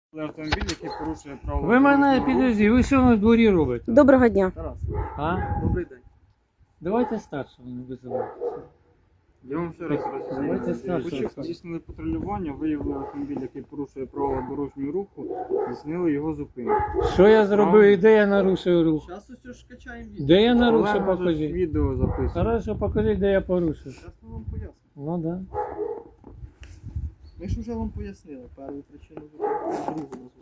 Автомобіль, який порушує право. Ви мене дорожнього руху. підожди, ви що на дворі робите? Доброго дня. Тарас, А? добрий день. Давайте старшого не визивайте. Я вам ще раз Давайте роз'ясню. старшого. Почав здійснили патрулювання, виявили автомобіль, який порушує правила дорожнього руху, здійснили його зупинку. Що я зробив і де я нарушив рух? Зараз усе ж качаємо відео. Де я Але нарушив, може покажіть. відео записує. Хорошо, покажіть, де я порушив. Зараз ми вам пояснимо. Ну да. Ми ж вже вам пояснили першу причину зупинки, другу назвали.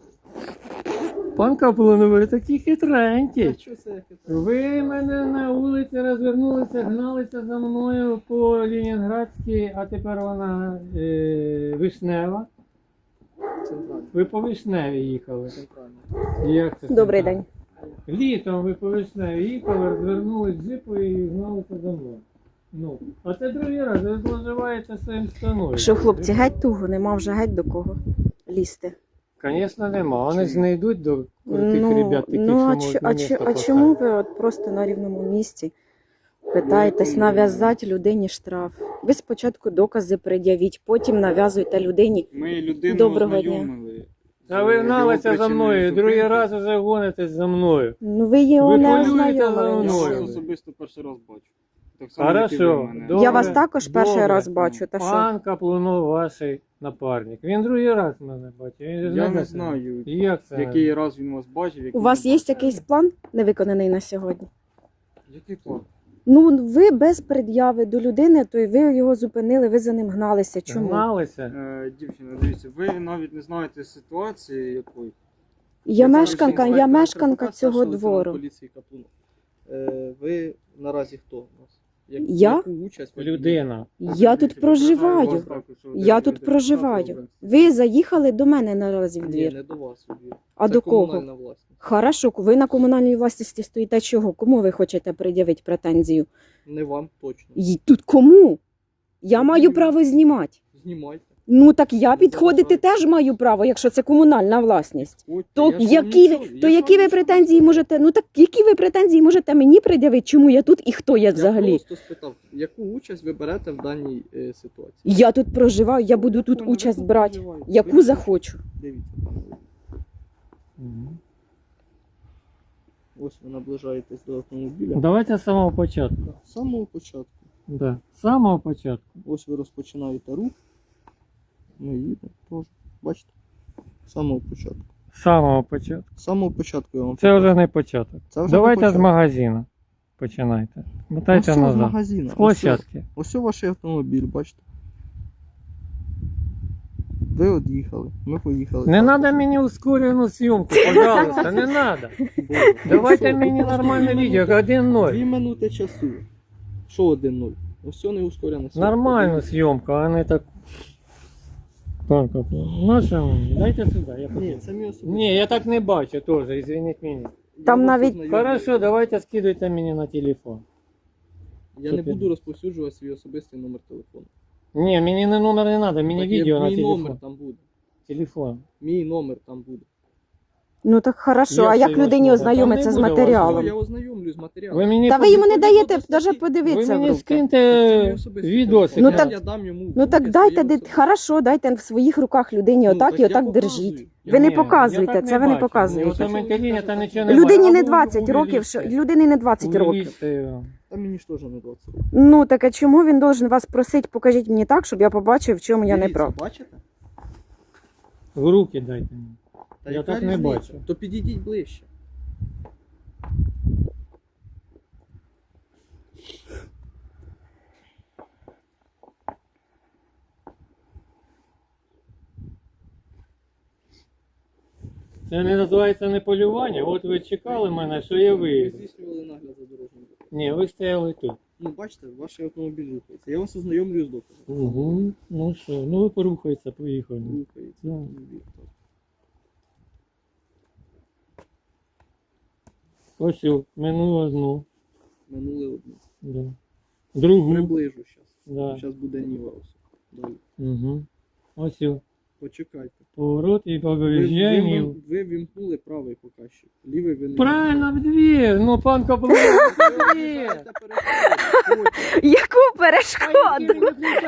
Пан Каплун, ви такі А хитренькі. що це яке? Ви мене на вулиці розвернулися, гналися за мною по Ленінградській, а тепер вона Вишнева. Центральне. Ви по Вишневі їхали. Центральне. Як це Добрий так? день. Літом ви по Вишневі їхали, розвернули джипу і гналися за мною. Ну, а це другий раз, ви зловживаєте своїм станою. Що, хлопці, геть туго, нема вже геть до кого лізти. Звісно, нема. Вони ж не йдуть до тих ребят, таких, ну що а, можуть на а, місто а чому поставити. ви от просто на рівному місці питаєтесь нав'язати людині штраф? Ви спочатку докази пред'явіть, потім нав'язуєте людині. Ми людину Доброго дня. ознайомили. А ви з гналися його за мною, причиною другий зупинки. раз вже гонитесь за мною. Ну ви його Ви не полюєте ознайомили. за Я мною. нічим. вас особисто перший раз бачу. Так само, як і ви Хорошо. мене. Добре, Я вас також перший добре. раз бачу, та що? Пан Каплунов ваш напарник. Він другий раз мене бачив. Він же Я де не це? знаю, Як це? який раз він вас бачив. У який вас не є бачив. якийсь план невиконаний на сьогодні? Який план? Ну ви без пред'яви до людини, то й ви його зупинили, ви за ним гналися. Чому? Гналися? Дівчина, дивіться, ви навіть не знаєте ситуації якої. Я Це мешканка, зараз я інспектор мешканка Адвокат цього старшого лейтенанта двору. поліції Каплунов. Ви наразі хто у нас? Я? Яку участь ви Людина. Я тут проживаю. Вас також, що Я ви тут йдете проживаю. штраф Ви заїхали до мене наразі в Ні, двір. не до вас у двір. А Це до кого? комунальна власність. Хорошо, ви на комунальній власності стоїте чого? Кому ви хочете пред'явити претензію? Не вам точно. І тут кому? Я маю право знімати. Знімайте. Ну так я підходити теж маю право, якщо це комунальна власність. Ходьте, То я ж вам які нічого- ви, я то ж які вам ви нічого претензії не можете? Ну так які ви претензії можете мені пред'явити? Чому я тут і хто я взагалі? Я просто спитав, яку участь ви берете в даній ситуації? Я тут проживаю, я буду тут Прикольно, участь ви тут брати, проживаєте. яку Ви захочу. Дивіться, пане водій. Мгм. Ось ви наближаєтесь до автомобіля. Давайте з самого початку. З самого початку. Да. З самого початку. Ось ви розпочинаєте рух. Ми їдемо теж. Бачите? З самого початку. З самого початку. З самого початку я вам Це покажу. вже не початок. Це вже Давайте не з початок. магазину. Починайте. Мотайте Ось з назад. магазину. З площадки. Ось ваш автомобіль, бачите. Ви од'їхали, ми поїхали. Не Так. треба мені ускорену зйомку, пожалуйста, не треба. Боже, Давайте ну мені що, нормальне дві відео, минути- 1-0. 2 минути часу. Що 1-0? Ось не ускорене. Нормальну зйомку, а не так. Так, наша мені, дайте сюди. Я Ні, покажу. це мій особистий. Ні, я так не бачу теж, извиніть мене. Там Я вас навіть- ознайомлю. Хорошо, давайте скидуйте мені на телефон. Я не Супер. буду розповсюджувати свій особистий номер телефону. Ні, мені не номер не треба, мені Так, відео на мій телефон. номер там буде. Телефон. Мій номер там буде. Ну так хорошо, Як а це як його людині слово? ознайомитися Там з не буде Все, матеріалом? я ознайомлюсь з Ви матеріалом. мені, Та ви йому не Ходіть даєте до навіть статті. ви подивитися в мені руки. Так це мій скиньте особистий відосик. телефон. Ну так- Я дам йому. Ну так руки дайте, свої особисті. хорошо, дайте в своїх руках людині Ну, отак так і я отак показую. держіть. Я Ви не Ні, показуєте, я так це ви не бачу. показуєте. Ось там інтернет, та нічого не Людині бачу. не А 20 років, що людині не 20 років. Увеличте його. Та мені ж теж не 20 років. Ну так а чому він должен вас просити, покажіть мені так, щоб я побачив, в чому я не Дивіться, прав? Бачите? В руки дайте мені. Та Я яка так не різниця? бачу. То підійдіть ближче. Це не називається не полювання. От ви чекали мене, що я Ви виїду. здійснювали нагляд за дорожнім рухом. Ні, ви стояли тут. Ну, бачите, ваш автомобіль рухається. Я вас ознайомлюю з доказом. Угу. Ну що, ну ви порухається, поїхали. Рухається. Да. Так. Ось о, минуло одну. Минули одну. Да. Другу. Приближу зараз. Да. Зараз буде Ніва ось. Далі. Угу. Ось о. Почекайте. Поворот і по Ви, виїжджанні. ви вімкнули правий показчик. Лівий ви не Правильно, в двір. Ну, пан Каплун, в двір. Яку перешкоду?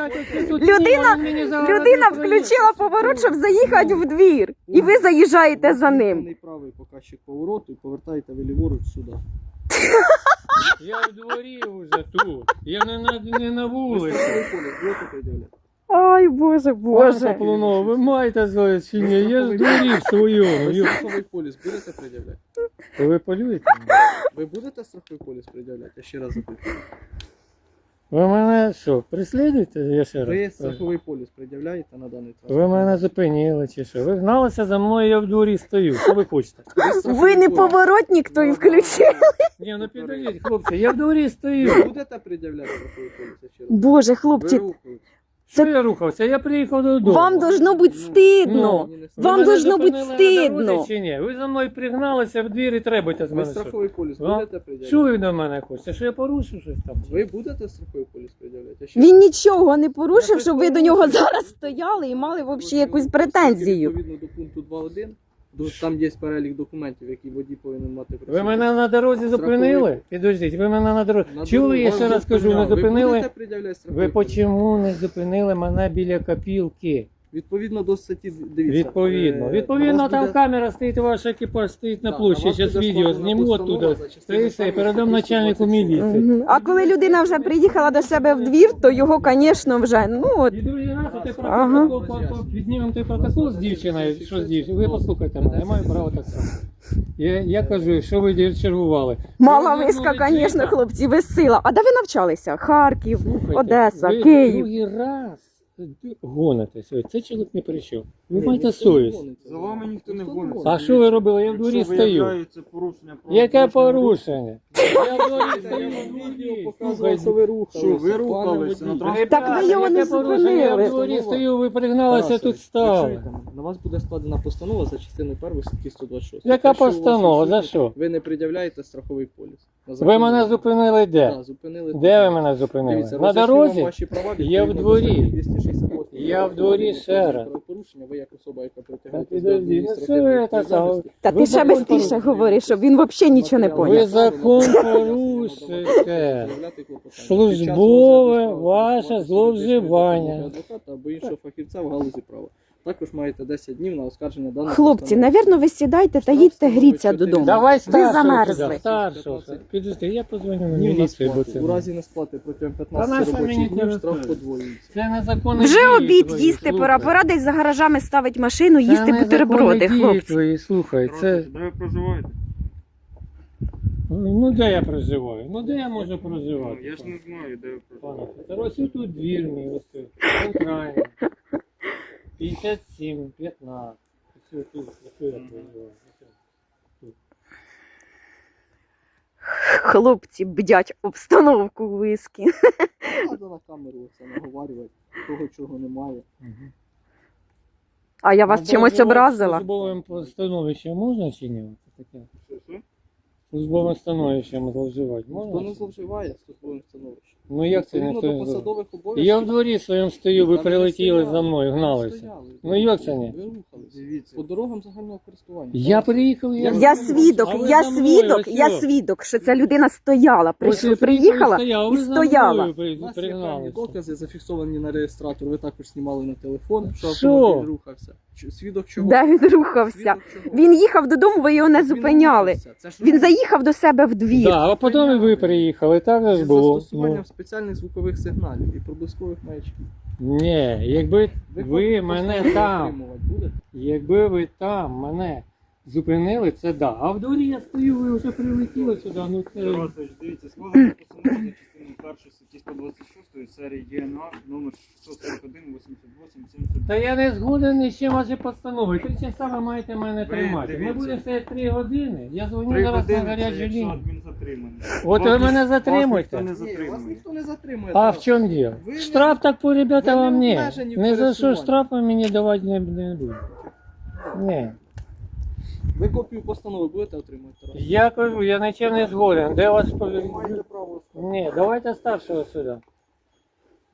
Людина включила поворот, щоб заїхати в двір. І ви заїжджаєте за ним. Вимкнений правий показчик повороту і повертаєте ви ліворуч сюди. Я в дворі вже тут. Я не на Ви вулиці. страховий поліс будете пред'являти? Ой, Боже, Пан Боже. Каплунов, ви маєте злость чи ні? Я ж в дворі в своєму. Ви Йо. страховий поліс будете пред'являти? Ви полюєте? Ви будете страховий поліс пред'являти? Я ще раз запитую. Ви мене що, преслідуєте? Я ще Ви раз. страховий поліс пред'являєте на даний транспорт? Ви мене зупинили чи що? Ви гналися за мною, я в дворі стою. Що ви хочете? Ви не поворотник, то і включив. Ні, ну підождіть, хлопці, я в дворі Ви стою. будете пред'являти страховий поліс? Я ще раз. Боже, Ви хлопці, рухаєтесь. Що я рухався? Я приїхав додому. вам должно бути стидно. Мені не Ви Вам мене должно бути зупинили на дорозі стидно. чи ні? Ви за мною пригналися в двір і требуєте з Ви мене. Що? страховий поліс А? будете пред'являти? Що ви до мене хочете? Що я порушив щось там? Ви будете страховий поліс пред'являти? Я ще Він раз. нічого не порушив, щоб ви до нього зараз стояли і мали взагалі якусь претензію. Відповідно до пункту 2.1, там є перелік документів, які водій повинен мати при Ви собі. мене на дорозі зупинили? Страховий. Підождіть, ви мене на дорозі. На Чули, я дорогу ще вас раз кажу, не зупиняли. Ви зупинили? будете пред'являти страховий Ви поліс? чому не зупинили мене біля копілки? Відповідно до статті, дивіться. Відповідно. на Відповідно, вас там буде- камера стоїть, ваш екіпаж стоїть на Да, площі. на вас Зараз буде відео складена зніму постанова оттуда. за частиною Та і все, першої передам статті начальнику 126. міліції. Мгм. А коли людина вже приїхала до себе в двір, то його, звісно, вже, ну от. І другий раз ти Ага. протокол, піднімемо той протокол з дівчиною, що з дівчиною. Ви послухайте мене, я маю право так само. Я кажу, що ви чергували. Мала Ви виска, вернули звісно, джипа. хлопці, ви сила. А де ви навчалися? Харків, Слухайте, Одеса, ви Київ. другий раз гонитесь. Ой, Цей чоловік не прийшов. Ви Ні, маєте ніхто не совість. гониться. За вами ніхто не Ніхто гониться. А що ви робили? Я в дворі Якщо стою. виявляється порушення правил Яке дорожнього руху, порушення? Я в дворі Я стою. вам в відео дворі. показував, що ви рухалися. Що ви пане рухалися на водій. транспорті? Так ви його не Яке порушення? Я в зупинили. дворі стою, ви пригналися, Тарасе, тут стали. якщо на вас буде складена постанова за частиною 1 статті 126. Яка Якщо у вас постанова? За відсутній, що? Ви не пред'являєте страховий поліс. На Ви законний мене вимог. зупинили де? Да, зупинили. Де ви мене зупинили? Дивіться, На роз'ясню вам дорозі? ваші права Я в відповідно до дворі. статті 268. Я в дворі ще раз. Правопорушення, ви як особа, яка Та притягається до підожди, ну що адміністративної ви так відповідальності. Та Ви ти ще закон бистріше порушуєте. говориш, щоб він взагалі нічого не Матеріал Ви поняв. закон справи порушуєте. заявляти клопотання. Службове Під час розгляду ваше справи зловживання. допомоги адвоката або іншого фахівця в галузі права. Також маєте 10 днів на оскарження даного. Хлопці, навірно, ви сідайте та їдьте гріться додому. Давай Ви старшого замерзли. сюди, старшого. Підожди, я позвоню на Днів на міліцію, бо сплати. це... У разі несплати протягом Та 15 нащо мені робочих днів це штраф робити? подвоюється. Це незаконне Вже дії обід твої, їсти пора. слухай. Пора десь за гаражами ставить машину, Це їсти незаконні бутерброди, дії хлопці. твої, слухай, це... Здравствуйте, де ви проживаєте? Ну де я проживаю? Ну де я можу Ну, проживати? я ж не знаю, де ви проживаєте. Пане, ось тут двір мій, ось тут, центральний. 57, 15. Ось тут, ось я проживаю. Хлопці бдять обстановку в вискі. Треба на камеру це наговарювати, того чого немає. А я вас чимось образила? Службовим становищем можна чи ні? Це таке. Що? Службовим становищем зловживати Хто не можна? зловживає службовим становищем. Ну як це Відповідно ніхто до не зловживає? посадових обов'язків. Я в дворі своєму стою, ви Та ви прилетіли стояли, за мною, ви гналися. стояли. Ну як це ні? Ви рухались. Дивіться. По дорогам загального користування. Я приїхав, Я свідок, А ви я за мною, свідок, ось я що? свідок, що ця людина стояла, Ось ви приїхала стояли, і ви за стояла. мною У нас є певні пригналися. докази, зафіксовані на реєстратор. Ви також знімали на телефон, що Що? автомобіль рухався. Свідок чого? Де він рухався? Свідок чого? Він їхав додому, ви його не Він зупиняли. рухався. Це ж Він рух. заїхав до себе в двір. Да, а потім і ви приїхали, так же Зі ж було. застосуванням Ну, спеціальних звукових сигналів і проблискових маячків. ні, якби ви копію мене постанови там, отримувати будете? якби ви там мене зупинили, це да. А в дворі я стою, ви вже прилетіли сюди, ну це... Тарасович, дивіться, складена постанова за частиною 1 статті 126 серії ЄНА номер 641 88 79. Та я не згоден ні з чим ваші постанови. 3 часа ви маєте мене Ви тримати. Ми дивіться. будемо стояти 3 години. Я дзвоню 3 зараз на години це гарячу якщо лінію. адмінзатримання. От ви мене затримуєте. Вас ніхто не Ні, вас затримує. ніхто не затримує. А Тарас. в чому діло? Ви не- Штраф так по ребята ви не вам ні. обмежені в Не за що пересуванні. штрафи мені давати не буду. Ні. Ви копію постанови будете отримувати? Тарас? Я кажу, я нічим не згоден. Де вас Ви маєте право. Ні, давайте старшого сюди.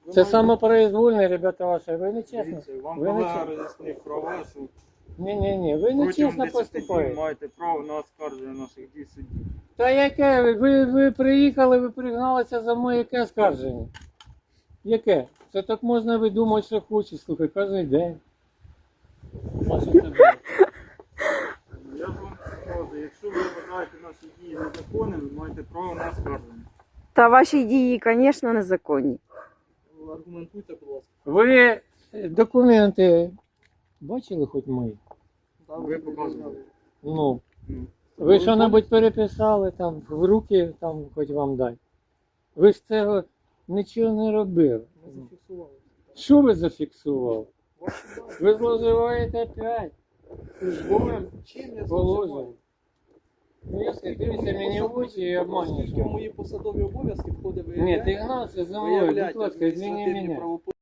Ви Це маєте- самопроизвольне, ребята ваші, ви не чесно. Дивіться, вам Ви не колега чесно. роз'яснив права, що Ні, ви протягом нечесно 10 днів поступаєте. маєте право на оскарження наших дій в суді. Та яке? Ви приїхали, ви пригналися за мною, яке скарження? Яке? Це так можна видумати, що хочеш, слухай, кожен день. А що це було? Я ж вам кажу, якщо ви вважаєте наші дії незаконними, ви маєте право на оскарження. Та ваші дії, звісно, незаконні. Аргументуйте, будь ласка. Ви документи бачили хоч мої? Да, Ви показували. Ну, Ну, ви що-небудь переписали там, в руки там хоч вам дай. Ви ж цього нічого не робили. Ми зафіксували. Що ви зафіксували? Ваші дані. Ви зловживаєте опять службовим Чим я положенням. зловживаю? Ну, я дивіться мені в очі і обманюєш. Оскільки в мої посадові обов'язки входить Ні, ти виявляти, гнався за мною, будь ласка, адміністративні зміни мене. правопорушення.